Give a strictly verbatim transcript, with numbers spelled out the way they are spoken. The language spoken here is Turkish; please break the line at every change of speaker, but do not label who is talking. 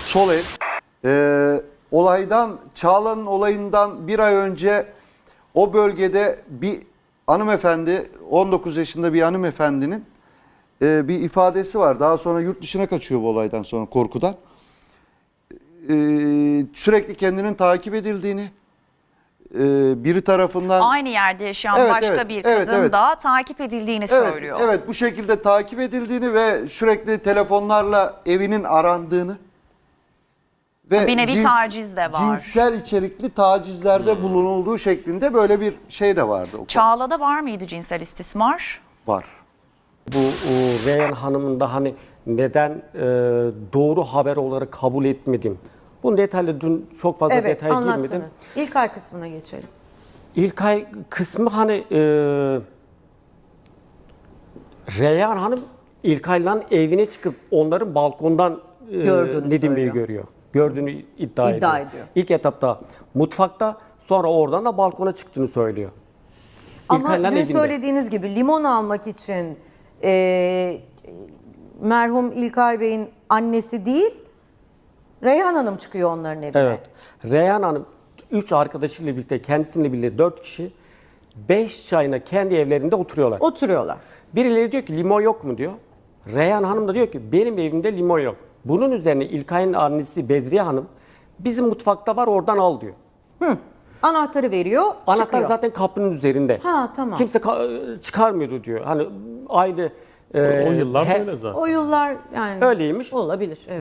sol el. Ee, olaydan, Çağla'nın olayından bir ay önce o bölgede bir hanımefendi, on dokuz yaşında bir hanımefendinin e, bir ifadesi var. Daha sonra yurt dışına kaçıyor bu olaydan sonra korkudan. Ee, sürekli kendinin takip edildiğini, e, biri tarafından...
Aynı yerde yaşayan
Evet,
başka
evet,
bir
evet,
kadın
evet.
da takip edildiğini
Evet,
söylüyor.
evet, bu şekilde takip edildiğini ve sürekli telefonlarla evinin arandığını ve
Bir nevi
cins-
taciz de var.
cinsel içerikli tacizlerde bulunulduğu şeklinde böyle bir şey de vardı. O
Çağla'da var mıydı cinsel istismar?
var.
Bu o, Reyhan Hanım'ın da hani neden e, doğru haber olarak kabul etmedim. Bunun detaylı dün çok fazla
Evet,
detaya girmedim.
anlattınız. İlk ay kısmına geçelim.
İlk ay kısmı hani e, Reyhan Hanım İlkay'la evine çıkıp onların balkondan e,
Gördüğünü
Nedim Bey'i
söylüyor.
görüyor. Gördüğünü iddia,
İddia
ediyor.
ediyor.
İlk etapta mutfakta, sonra oradan da balkona çıktığını söylüyor.
Ama
İlkay'la
dün
evinde.
söylediğiniz gibi limon almak için e, merhum İlkay Bey'in annesi değil, Reyhan Hanım çıkıyor onların evine.
Evet. Reyhan Hanım üç arkadaşıyla birlikte, kendisiyle birlikte dört kişi beş çayına kendi evlerinde oturuyorlar.
Oturuyorlar.
Birileri diyor ki limon yok mu diyor. Reyhan Hanım da diyor ki benim evimde limon yok. Bunun üzerine İlkay'ın annesi Bedriye Hanım bizim mutfakta var oradan al diyor.
Anahtarı veriyor,
Anahtar
çıkıyor.
zaten kapının üzerinde.
Ha, tamam.
Kimse ka- çıkarmıyordu diyor. Hani aile e,
O yıllar
he-
böyle zaten.
O yıllar yani
Öyleymiş.
olabilir. Evet.